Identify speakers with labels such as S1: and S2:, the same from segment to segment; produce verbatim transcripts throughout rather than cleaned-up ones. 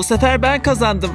S1: sefer ben kazandım.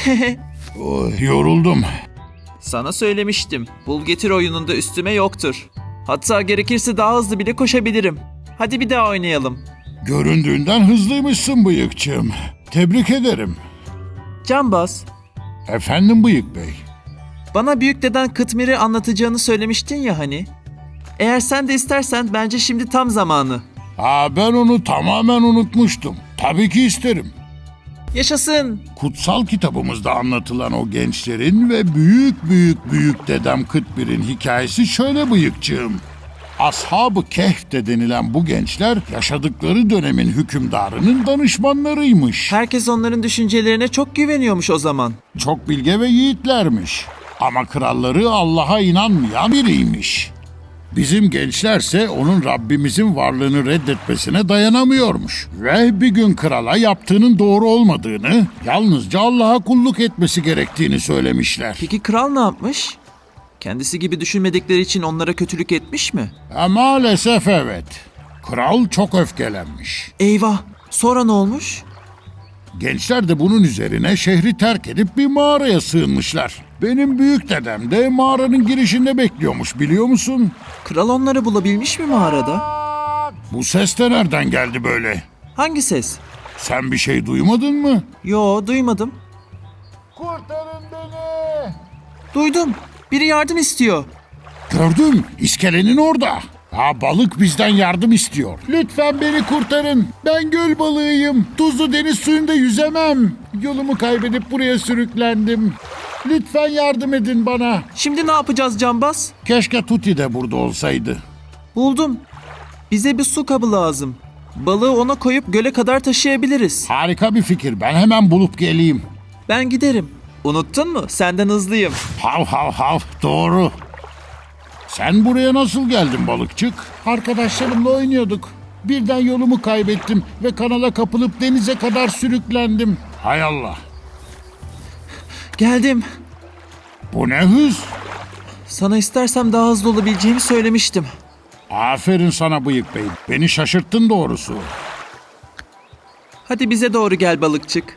S2: Oh, yoruldum.
S1: Sana söylemiştim. Bul getir oyununda üstüme yoktur. Hatta gerekirse daha hızlı bile koşabilirim. Hadi bir daha oynayalım.
S2: Göründüğünden hızlıymışsın bıyıkçığım. Tebrik ederim.
S1: Cambaz,
S2: Efendim Bıyık Bey.
S1: bana büyük deden Kıtmir'i anlatacağını söylemiştin ya hani. Eğer sen de istersen bence şimdi tam zamanı.
S2: Aa, ben onu tamamen unutmuştum. Tabii ki isterim.
S1: Yaşasın.
S2: Kutsal kitabımızda anlatılan o gençlerin ve büyük büyük büyük dedem Kıtmir'in hikayesi şöyle bıyıkçığım. Ashab-ı Kehf de denilen bu gençler yaşadıkları dönemin hükümdarının danışmanlarıymış.
S1: Herkes onların düşüncelerine çok güveniyormuş o zaman.
S2: Çok bilge ve yiğitlermiş. Ama kralları Allah'a inanmayan biriymiş. Bizim gençlerse onun Rabbimizin varlığını reddetmesine dayanamıyormuş. Ve bir gün krala yaptığının doğru olmadığını, yalnızca Allah'a kulluk etmesi gerektiğini söylemişler.
S1: Peki kral ne yapmış? Kendisi gibi düşünmedikleri için onlara kötülük etmiş mi?
S2: E, maalesef evet. Kral çok öfkelenmiş.
S1: Eyvah! Sonra ne olmuş?
S2: Gençler de bunun üzerine şehri terk edip bir mağaraya sığınmışlar. Benim büyük dedem de mağaranın girişinde bekliyormuş, biliyor musun?
S1: Kral onları bulabilmiş mi mağarada?
S2: Bu ses de nereden geldi böyle?
S1: Hangi ses?
S2: Sen bir şey duymadın mı?
S1: Yo, duymadım.
S2: Kurtarın beni!
S1: Duydum. Biri yardım istiyor.
S2: Gördüm, iskelenin orada. Ha, balık bizden yardım istiyor. Lütfen beni kurtarın. Ben göl balığıyım. Tuzlu deniz suyunda yüzemem. Yolumu kaybedip buraya sürüklendim. Lütfen yardım edin bana.
S1: Şimdi ne yapacağız Cambaz?
S2: Keşke Tuti de burada olsaydı.
S1: Buldum. Bize bir su kabı lazım. Balığı ona koyup göle kadar taşıyabiliriz.
S2: Harika bir fikir. Ben hemen bulup geleyim.
S1: Ben giderim. Unuttun mu? Senden hızlıyım.
S2: Hav hav hav. Doğru. Sen buraya nasıl geldin balıkçık? Arkadaşlarımla oynuyorduk. Birden yolumu kaybettim ve kanala kapılıp denize kadar sürüklendim. Hay Allah.
S1: Geldim.
S2: Bu ne hız?
S1: Sana istersem daha hızlı olabileceğimi söylemiştim.
S2: Aferin sana Bıyık Bey. Beni şaşırttın doğrusu.
S1: Hadi bize doğru gel balıkçık.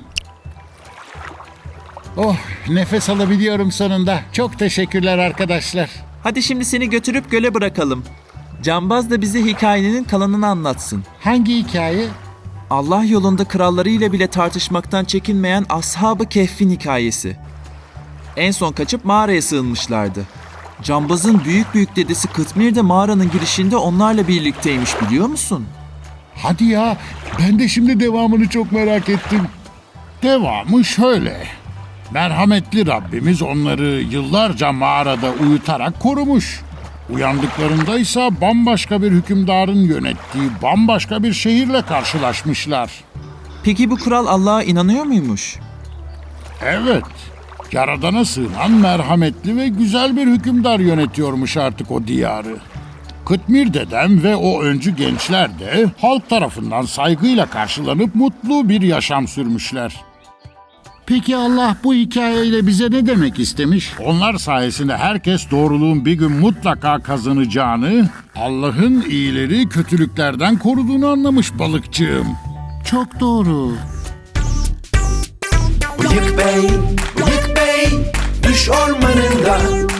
S2: Oh, nefes alabiliyorum sonunda. Çok teşekkürler arkadaşlar.
S1: Hadi şimdi seni götürüp göle bırakalım. Cambaz da bize hikayenin kalanını anlatsın.
S2: Hangi hikaye?
S1: Allah yolunda krallarıyla bile tartışmaktan çekinmeyen Ashab-ı Kehf'in hikayesi. En son kaçıp mağaraya sığınmışlardı. Cambaz'ın büyük büyük dedesi Kıtmir de mağaranın girişinde onlarla birlikteymiş, biliyor musun?
S2: Hadi ya, ben de şimdi devamını çok merak ettim. Devamı şöyle. Merhametli Rabbimiz onları yıllarca mağarada uyutarak korumuş. Uyandıklarında ise bambaşka bir hükümdarın yönettiği bambaşka bir şehirle karşılaşmışlar.
S1: Peki bu kral Allah'a inanıyor muymuş?
S2: Evet, Yaradan'a sığınan merhametli ve güzel bir hükümdar yönetiyormuş artık o diyarı. Kıtmir dedem ve o öncü gençler de halk tarafından saygıyla karşılanıp mutlu bir yaşam sürmüşler. Peki Allah bu hikayeyle bize ne demek istemiş? Onlar sayesinde herkes doğruluğun bir gün mutlaka kazanacağını, Allah'ın iyileri kötülüklerden koruduğunu anlamış balıkçığım. Çok doğru.
S3: Bıyık Bey, Bıyık Bey, düş ormanında